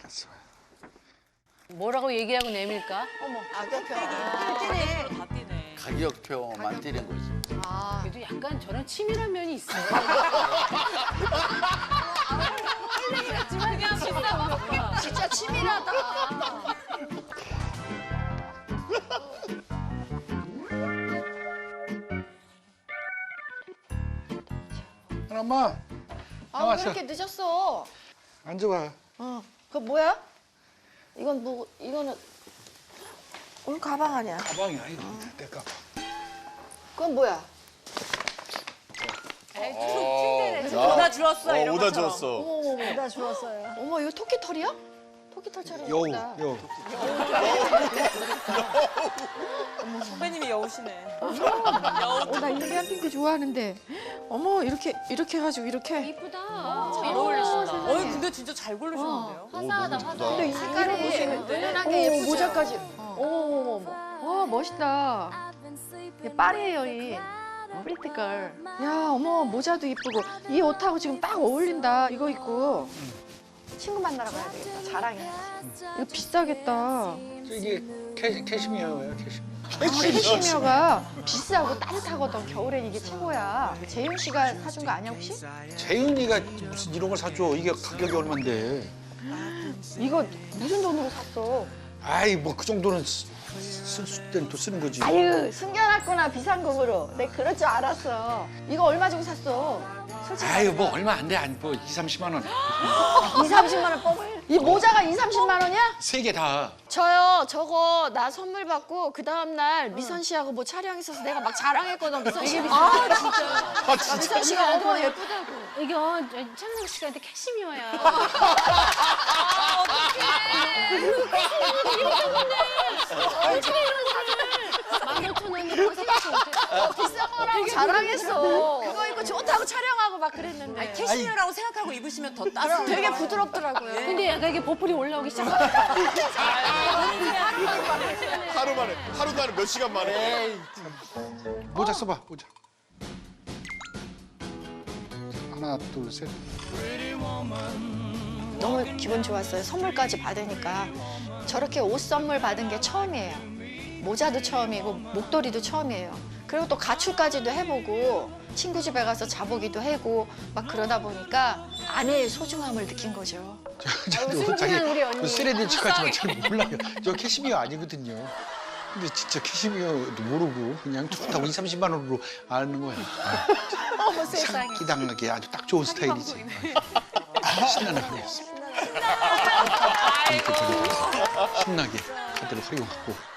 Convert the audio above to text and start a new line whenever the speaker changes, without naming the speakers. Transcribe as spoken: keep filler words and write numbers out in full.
갔어.
뭐라고 얘기하고 내밀까?
어머, 가격표. 아, 뛰네.
다 뛰네.
가격표만 뛰는 거지.
아,
그래도 약간 저런 치밀한 면이 있어요.
그냥 비싼 거 봐.
진짜 치밀하다.
엄마
아, 왜
나왔어.
이렇게 늦었어?
앉아봐.
어, 그거 뭐야? 이건 뭐, 이거는 오늘 가방 아니야?
가방이야 이거. 내 가방.
그건 뭐야?
오다 주웠어
어,
이런
오다
것처럼.
주웠어.
어머, 나 주웠어요. 어머, 이거 토끼 털이야? 토끼 털처럼
여우
예쁘다.
여우.
선배님이 여우시네.
어, 나 인디안 핑크 좋아하는데. 어머, 이렇게 이렇게 해가지고 이렇게.
이쁘다.
잘 어울리신다.
세상에.
어, 근데 진짜 잘 고르셨는데요?
화사하다, 화사해.
근데 이 색깔이
보시는데?
은은하게
오,
예쁘죠?
모자까지.
어.
어머, 어머, 어머. 와, 멋있다. 이게 파리예요, 이. 프리티걸. 야, 어머, 모자도 이쁘고. 이 옷하고 지금 딱 어울린다. 이거 입고. 친구 만나러 가야 되겠다. 자랑해. 이거 비싸겠다.
이게 캐, 캐시미어야 캐시미어.
캐시미어가 비싸고 따뜻하거든. 겨울엔 이게 최고야. 재윤 씨가 사준 거 아니야, 혹시?
재윤이가 무슨 이런 걸 사줘. 이게 가격이 얼만데.
이거 무슨 돈으로 샀어?
아이 뭐 그 정도는 쓸 때는 또 쓰는 거지.
아유, 숨겨놨구나, 비상금으로. 내 그럴 줄 알았어. 이거 얼마 주고 샀어? 솔직히.
아유 뭐 얼마 안 돼. 안 뭐 이, 삼십만 원.
이, 삼십만 원 뽑을. 이 모자가 이, 삼십만 원이야?
세 개 다.
저요, 저거 나 선물 받고 그 다음날 미선 씨하고 뭐 촬영 있어서 내가 막 자랑했거든, 미선 씨. 아, 진짜.
아 진짜.
미선 씨가 어머, 예쁘다고.
이거 천상 씨한테 캐시미어야. 어떻게 이런 거를 만 오천 원이라고 생각도 못해.
비싼 거라고 자랑했어. 그거 입고 좋다고 촬영하고 막 그랬는데.
캐시미어라고 생각하고 입으시면 더 따뜻해요.
되게 부드럽더라고요.
근데 약간 이게 보풀이 올라오기 시작했어.
하루 만에, 하루도 아니고 몇 시간 만에.
모자 써봐 모자. 하나 둘 셋.
너무 기분 좋았어요. 선물까지 받으니까. 저렇게 옷 선물 받은 게 처음이에요. 모자도 처음이고 목도리도 처음이에요. 그리고 또 가출까지도 해보고 친구 집에 가서 자보기도 하고 막 그러다 보니까 아내의 소중함을 느낀 거죠.
저도 자기
우리 언니.
쓰레기 척하지만 잘 몰라요. 저 캐시미어 아니거든요. 근데 진짜 캐시미어도 모르고 그냥 좋다고 이, 삼십만 원으로 아는 거야.
어머 세상에.
기당하게 아주 딱 좋은 스타일이지. 신나는 하루였어. 신나게 카드를 활용하고